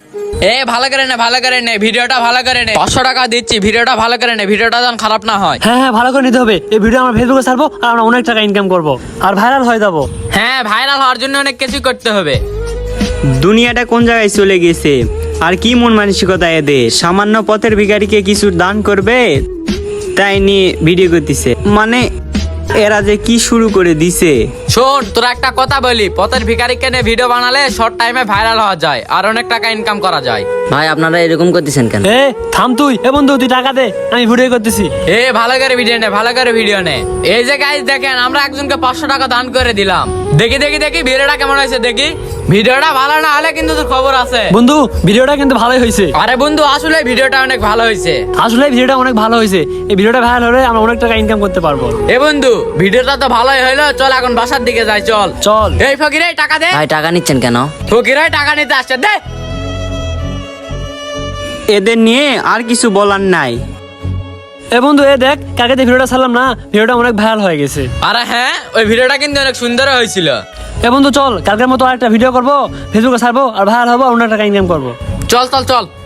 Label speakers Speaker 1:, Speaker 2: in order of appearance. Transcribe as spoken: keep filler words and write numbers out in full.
Speaker 1: এ ভালো করে নে ভালো করে নে ভিডিওটা ভালো করে নে পাঁচশো টাকা দিচ্ছি ভিডিওটা ভালো করে নে ভিডিওটা যেন খারাপ না হয়।
Speaker 2: হ্যাঁ হ্যাঁ ভালো করে নিতে হবে। এই ভিডিও আমরা ফেসবুকে ছাড়বো আর আমরা অনেক টাকা ইনকাম করবো আর ভাইরাল হয়ে যাবো।
Speaker 1: হ্যাঁ ভাইরাল হওয়ার জন্য অনেক কিছু করতে হবে।
Speaker 3: দুনিয়াটা কোন জায়গায় চলে গেছে, আর কি মন মানসিকতা এদের। সামান্য পথের ভিখারিকে কিছু দান করবে তাই নিয়ে ভিডিও করতেছে, মানে এরা যে কি শুরু করে দিছে।
Speaker 1: শোন তোরা একটা কথা বলি, পথের ভিখারিকে নিয়ে ভিডিও বানালে শর্ট টাইমে ভাইরাল হওয়া যায় আর অনেক টাকা ইনকাম করা যায়।
Speaker 4: ভাই আপনারা এরকম করতেছেন কেন?
Speaker 2: এ থাম তুই, এ বন্ধু তুই টাকা দে, আমি ভিডিও করতেছি।
Speaker 1: এ ভালো করে ভিডিও নে ভালো করে ভিডিও নে। এই যে গাইস দেখেন আমরা একজনকে পাঁচশো টাকা দান করে দিলাম। দেখি দেখি দেখি ভিডিওটা কেমন হয়েছে দেখি। ভিডিওটা ভালো না হলে কিন্তু তোর খবর আছে।
Speaker 2: বন্ধু ভিডিওটা কিন্তু ভালোই হয়েছে।
Speaker 1: আরে বন্ধু আসলে ভিডিওটা অনেক ভালো হয়েছে।
Speaker 2: আসলে ভিডিওটা অনেক ভালো হয়েছে। এই ভিডিওটা ভাইরাল হলে আমরা অনেক টাকা ইনকাম করতে পারবো।
Speaker 1: এ বন্ধু ভিডিওটা তো ভালোই হইলো, চল এখন বাসার দিকে যাই চল।
Speaker 2: চল।
Speaker 1: এই ফকির এই টাকা দে।
Speaker 4: ভাই টাকা নিচ্ছেন কেন?
Speaker 1: ফকির এই টাকা নিতে আসছে দে।
Speaker 3: এদের নিয়ে আর কিছু বলার নাই।
Speaker 2: এ বন্ধু এ দেখ কাকে দিয়ে ভিডিওটা ছাড়লাম না, ভিডিওটা অনেক ভাইরাল হয়ে গেছে।
Speaker 1: আরে হ্যাঁ ওই ভিডিওটা কিন্তু অনেক সুন্দর হয়েছিল।
Speaker 2: এ বন্ধু চল কালকের মতো আরেকটা ভিডিও করবো, ফেসবুকে ছাড়বো আর ভাইরাল হবো, অনেক টাকা ইনকাম করবো।
Speaker 1: চল চল চল।